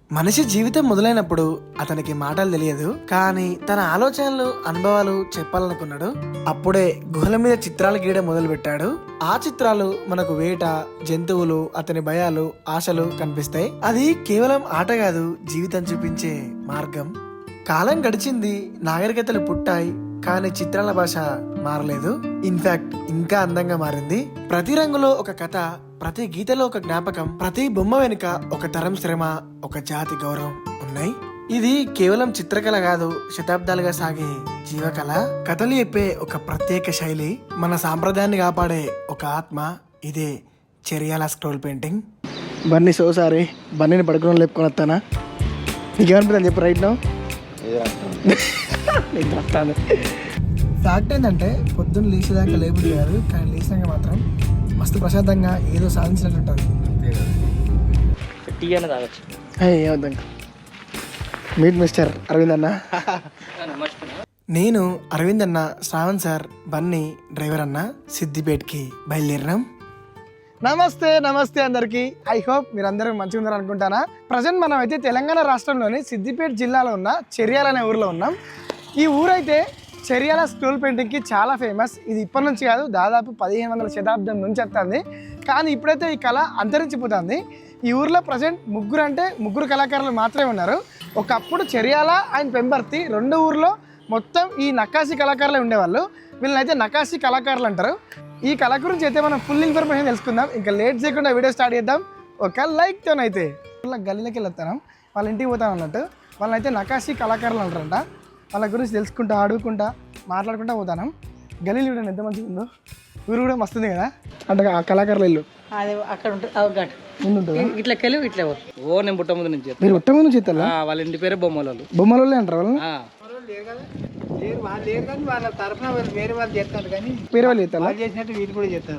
మనిషి జీవితం మొదలైనప్పుడు అతనికి మాటలు తెలియదు, కానీ తన ఆలోచనలు అనుభవాలు చెప్పాలనుకున్నాడు. అప్పుడే గుహల మీద చిత్రాలు గీయడం మొదలు పెట్టాడు. ఆ చిత్రాలు మనకు వేట, జంతువులు, అతని భయాలు, ఆశలు కనిపిస్తాయి. అది కేవలం ఆట కాదు, జీవితం చూపించే మార్గం. కాలం గడిచింది, నాగరికతలు పుట్టాయి, కానీ చిత్రాల భాష మారలేదు. ఇన్ఫాక్ట్ ఇంకా అందంగా మారింది. ప్రతి రంగులో ఒక కథ, ప్రతి గీతలో ఒక జ్ఞాపకం, ప్రతి బొమ్మ వెనుక ఒక తరం శ్రమ, ఒక జాతి గౌరవం ఉన్నాయి. ఇది కేవలం చిత్రకళ కాదు, శతాబ్దాలుగా సాగే జీవకళ. కథలు చెప్పే ఒక ప్రత్యేక శైలి, మన సాంప్రదాయాన్ని కాపాడే ఒక ఆత్మ. ఇదే చెరియాల స్క్రోల్ పెయింటింగ్. బన్నీ సోసారి బన్నీని పడుకుని లేపుకొని వస్తానా? నీకేమనిపిస్తుంది చెప్పు రైట్ నో. ఫ్యాక్ట్ ఏంటంటే పొద్దున్న లేచేదాకా లేబుల్ కాదు, కానీ లేచినాక మాత్రం మస్తు ప్రశాంతంగా ఏదో సాధించినట్టు ఉంటుంది. టీ అన్న తాగొచ్చు. ఏమవుతాం. మీట్ మిస్టర్ అరవింద్ అన్న. నేను అరవింద్ అన్న, శ్రావణ్ సార్, బన్నీ డ్రైవర్ అన్న సిద్దిపేటకి బయలుదేరినాం. నమస్తే నమస్తే అందరికి. ఐ హోప్ మీరు అందరూ మంచిగా ఉన్నారు అనుకుంటానా. ప్రజెంట్ మనం అయితే తెలంగాణ రాష్ట్రంలోని సిద్దిపేట జిల్లాలో ఉన్న చెర్యాల అనే ఊరిలో ఉన్నాం. ఈ ఊరైతే చెర్యాల స్క్రోల్ పెయింటింగ్కి చాలా ఫేమస్. ఇది ఇప్పటి నుంచి కాదు, దాదాపు 1500 శతాబ్దం నుంచి వస్తుంది. కానీ ఇప్పుడైతే ఈ కళ అంతరించిపోతుంది. ఈ ఊర్లో ప్రజెంట్ ముగ్గురు కళాకారులు మాత్రమే ఉన్నారు. ఒకప్పుడు చెర్యాల అండ్ పెంబర్తి రెండు ఊర్లో మొత్తం ఈ నకాశీ కళాకారులే ఉండేవాళ్ళు. వీళ్ళనైతే నకాశీ కళాకారులు అంటారు. ఈ కళ గురించి అయితే మనం ఫుల్ ఇన్ఫర్మేషన్ తెలుసుకుందాం. ఇంకా లేట్ చేయకుండా వీడియో స్టార్ట్ చేద్దాం. ఒక లైక్తోనైతే గల్లీలోకి వెళ్తాం, వాళ్ళ ఇంటికి పోతాం అన్నట్టు. వాళ్ళనైతే నకాశీ కళాకారులు అంటారంట. వాళ్ళ గురించి తెలుసుకుంటా, అడుగుకుంటా, మాట్లాడుకుంటా పోతాను. గల్లీలు చూడండి ఎంత మంచిగా ఉందో. ఊరు కూడా మస్తుంది కదా. అంటే ఆ కళాకారుల ఇల్లు అది అక్కడ ఉంటుంది, ముందు ఉంటుంది. ఇట్లా కెలు ఇట్లా ఓ నేను పుట్ట ముందు నుంచి మీరు పుట్ట ముందు చేస్తారా? వాళ్ళ ఇంటి పేరే బొమ్మలు. బొమ్మలు అంటారు వాళ్ళు. వాళ్ళ తరఫున వేరే వాళ్ళు చేస్తారు, కానీ వేరే వాళ్ళు చేస్తారు, వాళ్ళు చేసినట్టు వీళ్ళు కూడా చేస్తారు.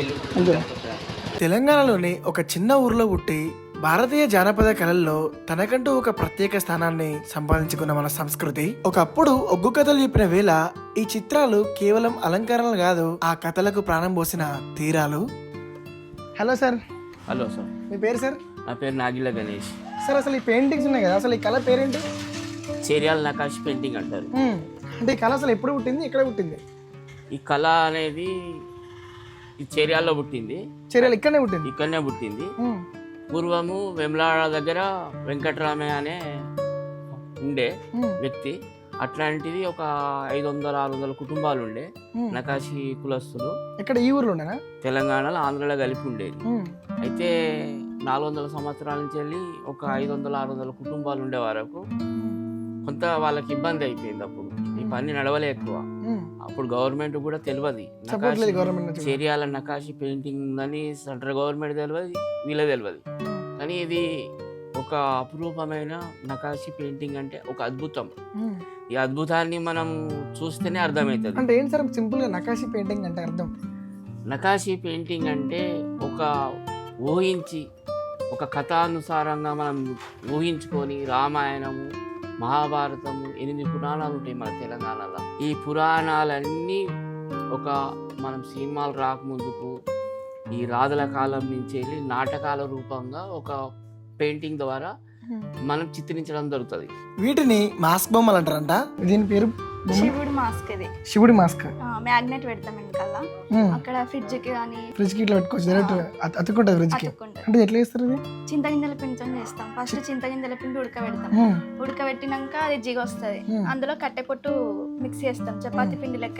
తెలంగాణలోని ఒక చిన్న ఊర్లో పుట్టి భారతీయ జానపద కళల్లో తనకంటూ ఒక ప్రత్యేక స్థానాన్ని సంపాదించుకున్న మన సంస్కృతి. ఒకప్పుడు ఒగ్గు కథలు చెప్పిన వేళ ఈ చిత్రాలు కేవలం అలంకరణలు కాదు, ఆ కథలకు ప్రాణం పోసిన తీరాలు. Hello sir. Hello sir. మీ పేరు సార్? నా పేరు నాగిల గణేష్ సార్. అసలు ఈ పెయింటింగ్స్ ఉన్నాయి కదా, అసలు ఈ కళ పేరేంటి? చెరియాల నకాష్ పెయింటింగ్ అంటారు. అంటే ఈ కళ అసలు ఎప్పుడు పుట్టింది, ఎక్కడ పుట్టింది? ఈ కళ అనేది ఈ చెరియాల్లో పుట్టింది. చెరియాల ఇక్కడనే పుట్టింది. పూర్వము వెమ్లాడ దగ్గర వెంకటరామయ్య అనే ఉండే వ్యక్తి. అట్లాంటిది ఒక 500-600 కుటుంబాలు ఉండే నకాశీ కులస్తులు. ఇక్కడ ఈ ఊర్లో ఉండేనా? తెలంగాణలో, ఆంధ్రలో కలిపి ఉండేది. అయితే 400 సంవత్సరాల నుంచి వెళ్ళి ఒక 500-600 కుటుంబాలు ఉండే వరకు కొంత వాళ్ళకి ఇబ్బంది అయిపోయింది. అప్పుడు ఈ పని నడవలే ఎక్కువ. అప్పుడు గవర్నమెంట్ కూడా తెలియదు చెరియాల నకాశీ పెయింటింగ్ ఉందని. సెంట్రల్ గవర్నమెంట్ తెలియదు, వీళ్ళ తెలియదు. కానీ ఇది ఒక అపురూపమైన నకాశీ పెయింటింగ్, అంటే ఒక అద్భుతం. ఈ అద్భుతాన్ని మనం చూస్తేనే అర్థమవుతుంది. అంటే ఏంటి సార్ సింపుల్ గా నకాశీ పెయింటింగ్ అంటే అర్థం? నకాశీ పెయింటింగ్ అంటే ఒక ఊహించి, ఒక కథానుసారంగా మనం ఊహించుకొని రామాయణము, మహాభారతము, 8 పురాణాలు ఉంటాయి మన తెలంగాణలో. ఈ పురాణాలన్నీ ఒక మనం సినిమాలు రాకముందుకు ఈ రాజుల కాలం నుంచి వెళ్ళి నాటకాల రూపంగా ఒక పెయింటింగ్ ద్వారా మనం చిత్రించడం జరుగుతుంది. వీటిని మాస్క్ బొమ్మలు అంటారంట. దీని పేరు శివుడి మాస్క్. ఇది శివుడి మాస్క్. మ్యాగ్నెట్ పెడతాం వెనకాల. అక్కడ ఫ్రిడ్జ్ కి కానీ ఫ్రిడ్జ్ కి ఇట్లా పెట్టుకోవచ్చు, డైరెక్ట్ అతుక్కుంటది ఫ్రిడ్జ్ కి. అంటే ఎట్లా చేస్తారు ఇది? చింతగింజల పిండితో చేస్తాం. ఫస్ట్ చింతగింజల పిండి ఉడకబెడతాం. ఉడకబెట్టినాక అది జిగ వస్తుంది. అందులో కట్టె పొట్టు మిక్స్ చేస్తాం. చపాతీ పిండి లెక్క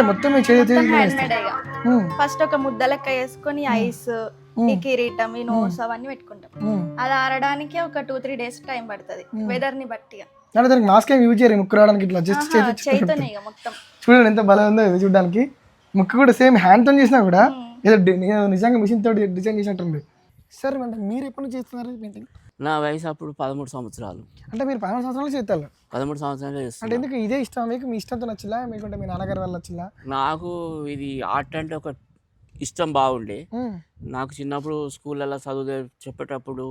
ఫస్ట్ ఒక ముద్ద లెక్క వేసుకొని ఐస్, ఈ కిరీటం, ఈ నోట్స్ అవన్నీ పెట్టుకుంటాం. అది ఆరడానికి ఒక 2-3 days టైం పడుతుంది, వెదర్ ని బట్టి. మాస్క్ ఏం యూజ్ చేయరు ముక్కు రావడానికి. ఇట్లా జస్ట్ చేతోనే ఇక మొత్తం. చూడండి ఎంత బలం ఉందో ఇది చూడడానికి. ముక్కు కూడా సేమ్ హ్యాండ్ తో చేసినా కూడా ఏదో నిజంగా మిషన్ తోటి డిజైన్ చేసినట్టుంది. సార్ అంటే మీరు ఎప్పటి నుంచి చేస్తున్నారు పెయింటింగ్? నా వయసు అప్పుడు 13 సంవత్సరాలు. అంటే మీరు 13 సంవత్సరాలు చేస్తారు? 13 సంవత్సరాలు చేస్తాను. అంటే ఎందుకు ఇదే ఇష్టం మీకు? మీ ఇష్టంతో నచ్చిలా, మీకుంటే మీ నాన్నగారి వల్ల నచ్చిలా? నాకు ఇది ఆర్ట్ అంటే ఒక ఇష్టం బాగుండే. నాకు చిన్నప్పుడు స్కూళ్ళల్లో చదువు చెప్పేటప్పుడు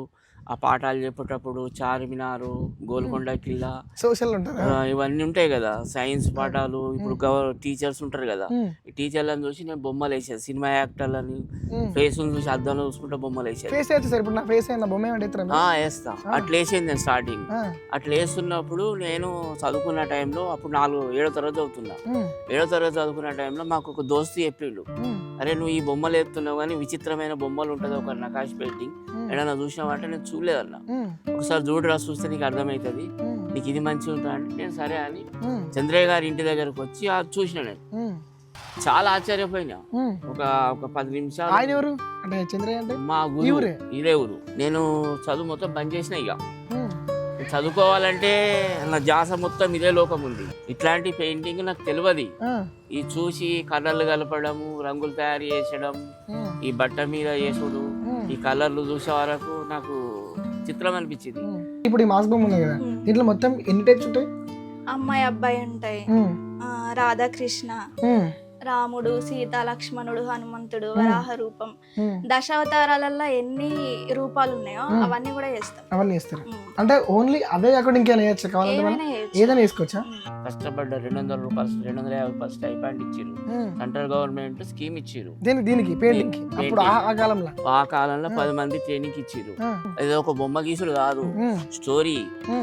ఆ పాఠాలు చెప్పేటప్పుడు చార్మినారు, గోల్కొండ కిల్లా, సోషల్ ఉంటారు. ఇవన్నీ ఉంటాయి కదా, సైన్స్ పాఠాలు. ఇప్పుడు టీచర్స్ ఉంటారు కదా, ఈ టీచర్లను చూసి నేను బొమ్మలు వేసేది. సినిమా యాక్టర్లని ఫేస్ చూసి అద్దంలో చూసుకుంటే బొమ్మలు వేసేది. ఫేస్ అయితే సార్ ఇప్పుడు నా ఫేస్ అయినా బొమ్మ వేస్తా. అట్లా వేసేది నేను స్టార్టింగ్. అట్లా వేస్తున్నప్పుడు నేను చదువుకున్న టైంలో అప్పుడు 7వ తరగతి చదువుతున్నా. 7వ తరగతి చదువుకున్న టైంలో మాకు ఒక దోస్తు చెప్పిండు, అరే నువ్వు ఈ బొమ్మలు వేస్తున్నావు కానీ విచిత్రమైన బొమ్మలు ఉంటుంది ఒక నకాష్ పెయింటింగ్, ఏదైనా చూసినావంటే నేను చూడలేదన్నా. ఒకసారి చూడరా, చూస్తే నీకు అర్థమవుతుంది, నీకు ఇది మంచిగా ఉంటుంది అంటే నేను సరే అని చంద్రయ్య గారి ఇంటి దగ్గరకు వచ్చి అది చూసిన. నేను చాలా ఆశ్చర్యపోయినా. ఒక 10 నిమిషాలు. ఆయన ఎవరు అంటే చంద్రయ్య అంటే మా గురువు, ఇదే ఊరు. నేను చదువు మొత్తం బంద్ చేసిన. ఇక చదువుకోవాలంటే నా ధ్యాస మొత్తం ఇదే లోకం ఉంది. ఇట్లాంటి పెయింటింగ్ నాకు తెలియదు. ఈ చూసి కలర్లు కలపడము, రంగులు తయారు చేసడం, ఈ బట్ట మీద చేసుడు, ఈ కలర్లు చూసే వరకు నాకు చిత్రం అనిపించింది. ఇప్పుడు ఈ మాస్ బొమ్మ ఉంది కదా, దీంట్లో మొత్తం ఎన్ని టైప్స్ ఉంటాయి? అమ్మాయి అబ్బాయి ఉంటాయి, రాధాకృష్ణ, రాముడు, సీత, లక్ష్మణుడు, హనుమంతుడు, వరాహ రూపం, దశావతారాలలో ఎన్ని రూపాలు ఉన్నాయో అవన్నీ కూడా చేస్తాం. అవన్నీ చేస్తారు అంటే ఓన్లీ అవే కాకుండా ఇంకేమైనా వేయచ్చు? కావాలంటే ఏదైనా వేసుకోవచ్చా? కష్టపడ్డ 200 రూపాయలు 250 రూపాయలు స్టైపెండ్ ఇచ్చారు. సెంట్రల్ గవర్నమెంట్ స్కీమ్ ఇచ్చారు దీనికి పెయింటింగ్. అప్పుడు ఆ కాలంలో 10 మంది ట్రైనింగ్ ఇచ్చారు. ఇది ఒక బొమ్మ గీసుడు కాదు, స్టోరీ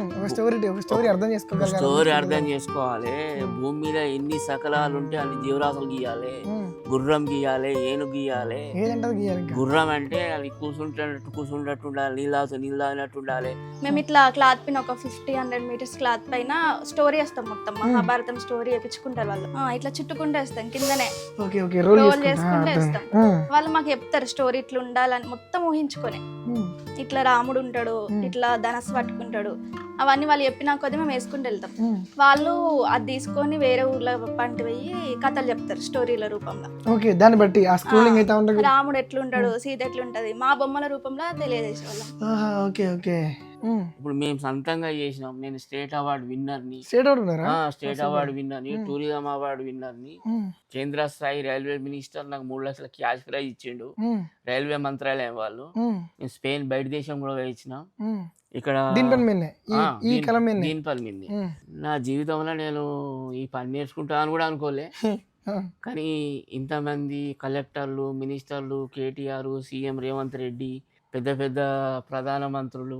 అర్థం చేసుకోవాలి. భూమి మీద ఎన్ని సకలాలు ఉంటే అన్ని జీవరాశులు గీయాలి. గుర్రం గీయాలి, ఏను గీయాలి. గుర్రం అంటే అది కూర్చుంటట్టు ఉండాలి, నీళ్ళు తాగినట్టు ఉండాలి. మేము ఇట్లా క్లాత్ పైన ఒక 50-100 మీటర్స్ క్లాత్ పైన స్టోరీ వేస్తాం. మొత్తం మహాభారతం స్టోరీ వేపించుకుంటారు వాళ్ళు. ఇట్లా చుట్టుకుంటూ వేస్తాం, కిందనే రోల్ చేసుకుంటూ వేస్తాం. వాళ్ళు మాకు చెప్తారు స్టోరీ ఇట్లా ఉండాలని మొత్తం ఊహించుకొని. ఇట్లా రాముడు ఉంటాడు, ఇట్లా ధనస్సు పట్టుకుంటాడు, అవన్నీ వాళ్ళు చెప్పినా కొద్దీ మేము వేసుకుంటూ వెళ్తాం. వాళ్ళు అది తీసుకొని వేరే ఊర్లో పంట పోయి కథలు చెప్తారు స్టోరీల రూపంలో. దాన్ని బట్టి రాముడు ఎట్లుంటాడు, సీత ఎట్లుంటది, మా బొమ్మల రూపంలో తెలియజేసే వాళ్ళం. ఇప్పుడు మేము సొంతంగా చేసినాం. నేను స్టేట్ అవార్డు విన్నర్ని, టూరిజం అవార్డు విన్నర్ని. కేంద్ర స్థాయి రైల్వే మినిస్టర్ నాకు 3 లక్షల క్యాష్ ప్రైజ్ ఇచ్చిండు, రైల్వే మంత్రాలయం వాళ్ళు. నేను స్పెయిన్ బయట దేశం కూడా వేయించిన. ఇక్కడ దీనిపల్లి మీద నా జీవితంలో నేను ఈ పని నేర్చుకుంటా అని కూడా అనుకోలే. కానీ ఇంతమంది కలెక్టర్లు, మినిస్టర్లు, కేటీఆర్, సీఎం రేవంత్ రెడ్డి, పెద్ద పెద్ద ప్రధాన మంత్రులు,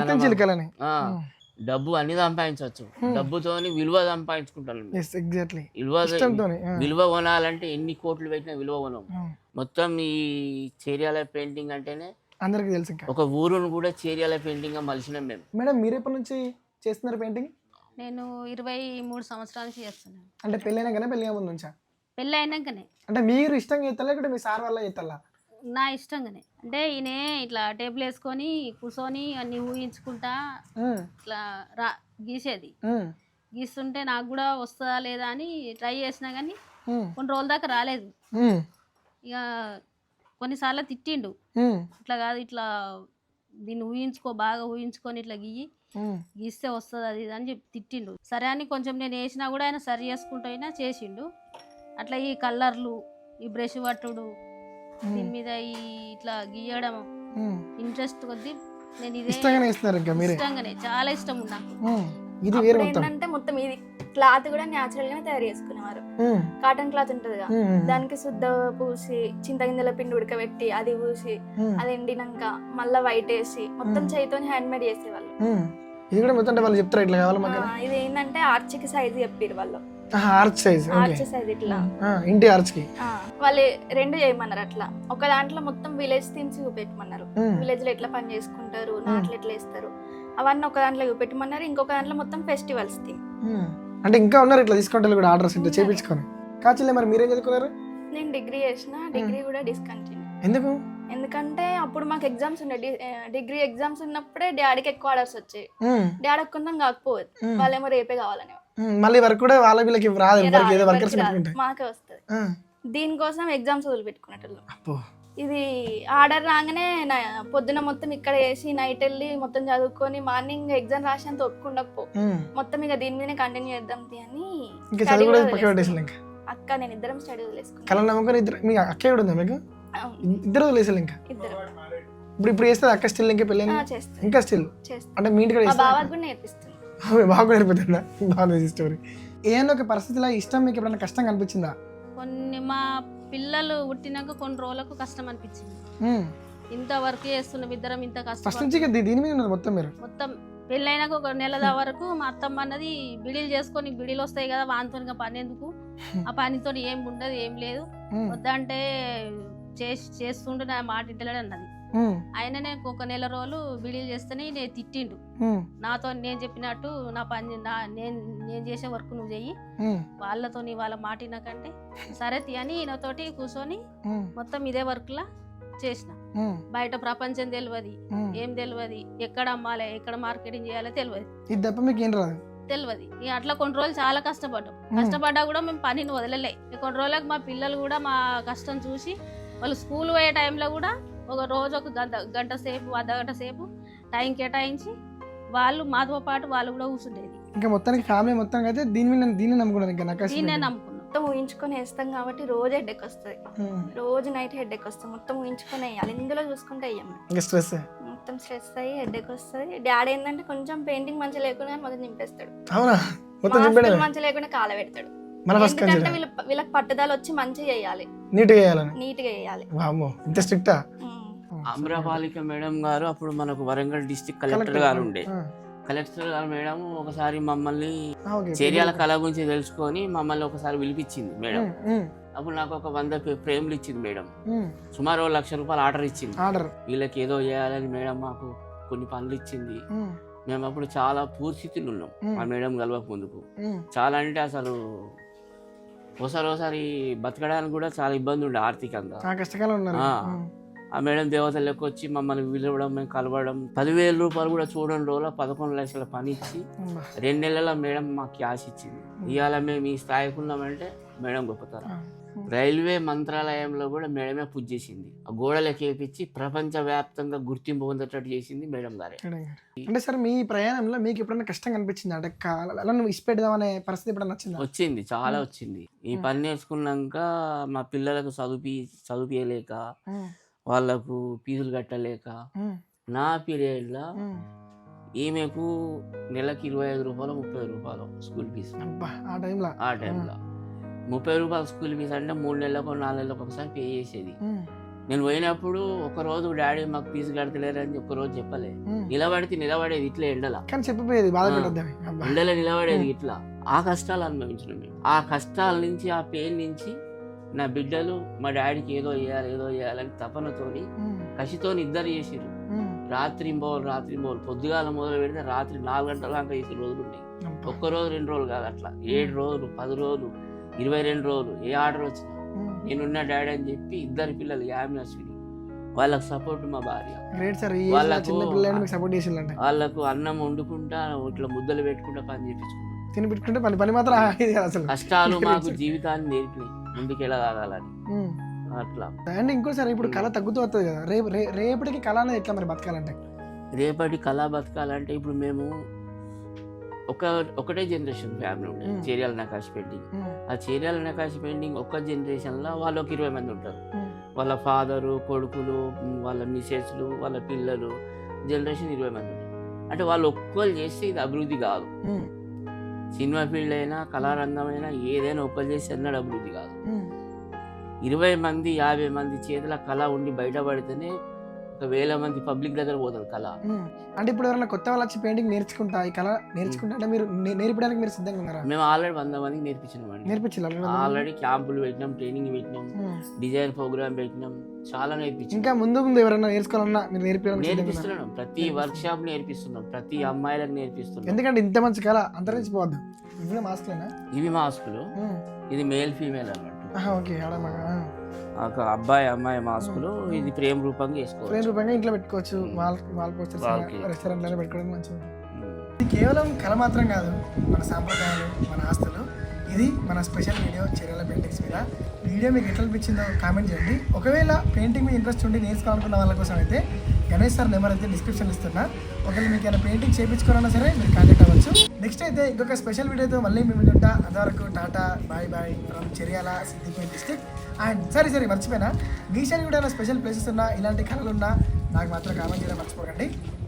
డబ్బు అన్ని సంపాదించవచ్చు. డబ్బుతోని విలువ సంపాదించుకుంటాను. విలువ కొనాలంటే ఎన్ని కోట్లు పెట్టినా విలువ కొనం. మొత్తం ఈ చేర్యాల పెయింటింగ్ అంటేనే అందరికి తెలుసు. ఒక ఊరును కూడా చేర్యాల పెయింటింగ్ గా మలిచినాం మేము. మేడం మీరు ఎప్పటి నుంచి చేస్తున్నారు పెయింటింగ్? నేను 23 సంవత్సరాల నుంచి చేస్తున్నాను. అంటే పెళ్ళైనాకనే పెళ్ళి ముందు నుంచా? పెళ్ళి అయినాకనే. అంటే మీరు ఇష్టంగా చేస్తారా లేకపోతే మీ సార్ వల్ల చేస్తారా? నా ఇష్టంగానే. అంటే ఈయన ఇట్లా టేబుల్ వేసుకొని కూర్చొని అన్ని ఊహించుకుంటా ఇట్లా గీసేది. గీస్తుంటే నాకు కూడా వస్తుందా లేదా అని ట్రై చేసినా కానీ కొన్ని రోజుల దాకా రాలేదు. ఇక కొన్నిసార్లు తిట్టిండు, ఇట్లా కాదు ఇట్లా దీన్ని బాగా ఊహించుకొని ఇట్లా గీస్తే వస్తుంది అది అని చెప్పి తిట్టిండు. సరే అని కొంచెం నేను వేసినా కూడా ఆయన సరి చేసుకుంటూ అయినా చేసిండు. అట్లా ఈ కలర్లు, ఈ బ్రష్ పట్టుడు, దీని మీద ఈ ఇట్లా గీయడం ఇంట్రెస్ట్ కొద్ది నేను ఇదే ఇష్టంగానే, చాలా ఇష్టం ఉంది నాకు. ఏంటంటే మొత్తం ఇది క్లాత్ కూడా న్యాచురల్ గానే తయారు చేసుకునేవారు. కాటన్ క్లాత్ ఉంటది కదా, దానికి శుద్ధ పూసి చింతగింజల పిండి ఉడకబెట్టి అది పూసి అది ఎండినాక మళ్ళా వైట్ వేసి మొత్తం చేయితో హ్యాండ్ మేడ్ చేసేవాళ్ళు. ఇది ఏంటంటే ఆర్చ్కి సైజ్ చెప్పారు వాళ్ళు. ఆర్చ్ సైజ్ ఇట్లా ఇంటి ఆర్చ్ కి వాళ్ళు 2 చేయమన్నారు. అట్లా ఒక దాంట్లో మొత్తం విలేజ్ థీమ్స్ చూపెట్టమన్నారు. విలేజ్ లో ఎట్లా పని చేసుకుంటారు, నాట్లు ఎట్లా వేస్తారు అవన్నీ ఒక దాంట్లో చూపెట్టమన్నారు. ఇంకొక దాంట్లో మొత్తం ఫెస్టివల్స్ థీమ్. అంటే ఇంకా ఉన్నారు ఇట్లా తీసుకుంటారు కూడా ఆర్డర్స్ ఇంటే చేపించుకొని. కాచిలే మరి మీరేం చదువుకున్నారు? నేను డిగ్రీ చేసిన, డిగ్రీ కూడా డిస్కంటిన్యూ. ఎందుకు? ఎందుకంటే అప్పుడు మాకు ఎగ్జామ్స్ ఉండే, డిగ్రీ ఎగ్జామ్స్ ఉన్నప్పుడే డాడీకి ఎక్కువ ఆర్డర్స్ వచ్చాయి. డాడీ కొంచెం కాకపోదు, వాళ్ళేమో రేపే కావాలని. మళ్ళీ వర్క్ కూడా వాళ్ళ వీళ్ళకి రాదు, మాకే వస్తుంది. దీనికోసం ఎగ్జామ్స్ వదిలిపెట్టుకున్నట్టు. ఇది ఆర్డర్ రాగానే పొద్దున మొత్తం ఇక్కడ వేసి నైట్ వెళ్ళి మొత్తం చదువుకొని మార్నింగ్ ఎగ్జామ్ రాసేంత ఒప్పుకుండకపో మొత్తం ఇక దీని మీదనే కంటిన్యూ చేద్దాం అని అక్క నేను ఇద్దరం స్టడీ వదిలేసుకున్నాం. ఇద్దరు వదిలేసారు. ఇంకా ఇద్దరు ఇప్పుడు చేస్తుంది అక్క స్టిల్ ఇంకా పెళ్ళి చేస్తాను ఇంకా స్టిల్ చేస్తాను. అంటే మీ ఇంటికి మా బావకు కూడా నేర్పిస్తాను. బాగా నేర్పుతుందా? బాగుంది స్టోరీ. ఏదైనా ఒక పరిస్థితిలో ఇష్టం మీకు ఎప్పుడైనా కష్టంగా అనిపించిందా? కొన్ని మా పిల్లలు పుట్టినాక కొన్ని రోజులకు కష్టం అనిపించింది. ఇంత వర్క్ చేస్తున్నాం ఇద్దరం, ఇంత ఫస్ట్ కష్టం. నుంచి దీని మీద ఉన్నది మొత్తం మీరు. మొత్తం పెళ్ళైనాక ఒక నెల వరకు మా అత్తమ్మ అన్నది బిడీలు చేసుకొని, బిడీలు వస్తాయి కదా వానితో పని ఎందుకు, ఆ పనితో ఏం ఉండదు ఏం లేదు, వద్దంటే చేస్తుండే నా మాట ఇంటలేడు అన్నది. ఆయననే ఒక నెల రోజులు బిడీలు చేస్తేనే నేను తిట్టిండు. నాతో నేను చెప్పినట్టు నా పని నేను చేసే వర్క్ నువ్వు చెయ్యి, వాళ్ళతో వాళ్ళ మాట వినకంటే సరే అని ఈయనతోటి కూర్చొని మొత్తం ఇదే వర్క్ లా చేసిన. బయట ప్రపంచం తెలియదు, ఏం తెలియదు, ఎక్కడ అమ్మాలి, ఎక్కడ మార్కెటింగ్ చేయాలో తెలియదు. ఇది తప్ప మీకు ఏం రాదు? తెలియదు. అట్లా కొన్ని రోజులు చాలా కష్టపడ్డాం. కష్టపడ్డా కూడా మేము పనిని వదలలే. కొన్ని రోజులకు మా పిల్లలు కూడా మా కష్టం చూసి వాళ్ళు స్కూల్ పోయే టైంలో కూడా ఒక రోజు ఒక గంట సేపు, అర్ధగంట సేపు టైం కేటాయించి వాళ్ళు మాతో పాటు వాళ్ళు కూడా కూర్చుండేది. ఇంకా మొత్తానికి ఫ్యామిలీ మొత్తం అయితే దీన్ని నమ్ముకున్నారు. ఇంకా నాకు దీన్నే నమ్ముకున్నాం. మొత్తం ఊహించుకొని వేస్తాం కాబట్టి రోజు హెడ్ఏక్ వస్తుంది, రోజు నైట్ హెడ్ఏక్ వస్తుంది. మొత్తం ఊహించుకొని వేయాలి, ఇందులో చూసుకుంటే వేయము. ఇంకా స్ట్రెస్, మొత్తం స్ట్రెస్ అయ్యి హెడ్ఏక్ వస్తుంది. డాడీ ఏంటంటే కొంచెం పెయింటింగ్ మంచిగా లేకుండా మొదలు నింపేస్తాడు. అవునా? మొత్తం మంచిగా లేకుండా కాల పెడతాడు. ఎందుకంటే వీళ్ళకి పట్టుదల వచ్చి మంచిగా చేయాలి, నీట్ గా చేయాలని. నీట్ గా చేయాలి. వామ్మో, ఇంత స్ట్రిక్టా? అమ్రపాలిక మేడం గారు అప్పుడు మనకు వరంగల్ డిస్ట్రిక్ట్ కలెక్టర్ గారు ఉండే. కలెక్టర్ గారు మేడం ఒకసారి మమ్మల్ని చేర్యాల కళ గురించి తెలుసుకొని మమ్మల్ని ఒకసారి పిలిపించింది మేడం. అప్పుడు నాకు ఒక 100 ఫ్రేమ్లు ఇచ్చింది మేడం. సుమారు 1 లక్ష రూపాయలు ఆర్డర్ ఇచ్చింది. వీళ్ళకి ఏదో చేయాలని మేడం మాకు కొన్ని పనులు ఇచ్చింది. మేము అప్పుడు చాలా పూర్స్థితులు ఉన్నాం ఆ మేడం కలవక ముందుకు. చాలా అంటే అసలు ఒకసారి బతకడానికి కూడా చాలా ఇబ్బంది ఉండే ఆర్థికంగా. ఆ మేడం దేవతలు లెక్క వచ్చి మమ్మల్ని పిలవడం, మేము కలవడం, 10,000 రూపాయలు కూడా చూడడం రోజుల 11 లక్షల పని ఇచ్చి 2 నెలల మేడం మాకు క్యాష్ ఇచ్చింది. ఇవాళ మేము ఈ స్థాయికి ఉన్నామంటే మేడం గొప్పతనం. రైల్వే మంత్రాలయంలో కూడా మేడమే పూజ చేసింది. ఆ గోడలకి వేపించి ప్రపంచవ్యాప్తంగా గుర్తింపు పొందేటట్టు చేసింది మేడం గారే. అంటే సార్ మీ ప్రయాణంలో మీకు ఎప్పుడైనా కష్టంగా అనిపించింది? అంటే అలా నువ్వు ఇష్టపెడదామనే పరిస్థితి ఎప్పుడైనా వచ్చిందా? వచ్చింది, చాలా వచ్చింది. ఈ పని నేర్చుకున్నాక మా పిల్లలకు చదువుపియలేక, వాళ్ళకు ఫీజులు కట్టలేక, నా పీరియడ్లో ఈమెకు నెలకి 25 రూపాయలు 30 రూపాయలు స్కూల్ ఫీజు. ఆ టైంలో 30 రూపాయలు స్కూల్ ఫీజు అంటే 3 నెలలకు 4 నెలలకు ఒకసారి పే చేసేది. నేను పోయినప్పుడు ఒకరోజు డాడీ మాకు ఫీజు కడతలేరని ఒక్కరోజు చెప్పలే. నిలబడేది ఇట్లా ఎండలో నిలబడేది ఇట్లా. ఆ కష్టాలు అనుభవించిన మేము. ఆ కష్టాల నుంచి, ఆ పెయిన్ నుంచి నా బిడ్డలు మా డాడీకి ఏదో చేయాలని తపనతోని కసితోని ఇద్దరు చేసిర్రు. రాత్రి పొద్దుగాల మొదలు పెడితే రాత్రి 4 గంటల దాకా చేసే రోజులు ఉన్నాయి. ఒక్కరోజు 2 రోజులు కాదు, అట్లా 7 రోజులు 10 రోజులు 22 రోజులు ఏ ఆర్డర్ వచ్చినా నేనున్న డాడీ అని చెప్పి ఇద్దరు పిల్లలు యామి అశ్విని, వాళ్ళకు సపోర్ట్ మా భార్య. వాళ్ళకు అన్నం వండుకుంటా ఇట్లా ముద్దలు పెట్టుకుంటా పని చేపించుకుంటాం. కష్టాలు మాకు జీవితాన్ని నేర్పినాయి ముందుకు ఎలా కాగాలని అట్లా. అండ్ ఇంకోసారి ఇప్పుడు కళ తగ్గుతూ వస్తుంది కదా, రేపటికి కళ అనేది ఎట్లా మరి బతకాలంటే? రేపటి కళ బతకాలంటే ఇప్పుడు మేము ఒకటే జనరేషన్ ఫ్యామిలీ ఉండే చేర్యాల నకాశ్ పెయింటింగ్. ఆ చేర్యాల నకాశ్ పెయింటింగ్ ఒక్క జనరేషన్లో వాళ్ళు ఒక 20 మంది ఉంటారు. వాళ్ళ ఫాదరు, కొడుకులు, వాళ్ళ మిసెస్లు, వాళ్ళ పిల్లలు, జనరేషన్ 20 మంది ఉంటారు. అంటే వాళ్ళు ఒక్కరు చేస్తే ఇది అభివృద్ధి కాదు. సినిమా ఫీల్డ్ అయినా, కళారంగం అయినా, ఏదైనా ఒక్కరు చేస్తే అన్నాడు అభివృద్ధి కాదు. 20 మంది 50 మంది చేతుల కళ ఉండి బయటపడితేనే 1,000 మంది పబ్లిక్ దగ్గర పోతుంది కళ. అంటే ఇప్పుడు ఎవరైనా కొత్త వాళ్ళు వచ్చి పెయింటింగ్ నేర్చుకుంటా ఈ కళ నేర్చుకుంటే మీరు నేర్పడానికి మీరు సిద్ధంగా ఉన్నారా? మేము ఆల్రెడీ 100 మందికి నేర్పించాం. ఆల్రెడీ క్యాంపులు పెట్టినాం, ట్రైనింగ్ పెట్టినాం, డిజైన్ ప్రోగ్రామ్ పెట్టినాం, చాలా నేర్పించాం. ఇంకా ముందు ఎవరైనా నేర్చుకోవాలన్నా మీరు నేర్పిస్తున్నాం. ప్రతి వర్క్ షాప్ నేర్పిస్తున్నాం, ప్రతి అమ్మాయిలకు నేర్పిస్తున్నాం. ఎందుకంటే ఇంత మంచి కళ అంతరించిపోవద్దు. ఇవి మాస్కులు, ఇది మేల్ ఫీమేల్ అన్నట్టు. ఒక అబ్బాయి అమ్మాయి మాస్కులు. ఇది ప్రేమ రూపంగా వేసుకోవచ్చు, ప్రేమ రూపంగా ఇంట్లో పెట్టుకోవచ్చు, రెస్టారెంట్ పెట్టుకోవడం మంచిది. ఇది కేవలం కళ మాత్రం కాదు, మన సాంప్రదాయాలు, మన ఆస్తులు. ఇది మన స్పెషల్ వీడియో చేర్యాల పెయింటింగ్స్ మీద. వీడియో మీకు ఎట్లా అనిపించిందో కామెంట్ చేయండి. ఒకవేళ పెయింటింగ్ మీద ఇంట్రెస్ట్ ఉండి నేర్చుకోవాలనుకున్న వాళ్ళ కోసం అయితే గణేష్ సార్ నెంబర్ అయితే డిస్క్రిప్షన్ ఇస్తున్నా. ఒకవేళ మీకు ఏమైనా పెయింటింగ్ చేయించుకోవాలన్నా సరే మీరు కాంటాక్ట్ అవ్వచ్చు. నెక్స్ట్ అయితే ఇంకొక స్పెషల్ వీడియోతో మళ్ళీ మేము ఉంటా. అంతవరకు tata bye from Cheriyal Siddipet district. And సరే మర్చిపోయినా, మీ సైడ్ కూడా ఏమైనా స్పెషల్ ప్లేసెస్ ఉన్నా, ఇలాంటి కళలు ఉన్నా నాకు మాత్రం కామెంట్ చేయడం మర్చిపోకండి.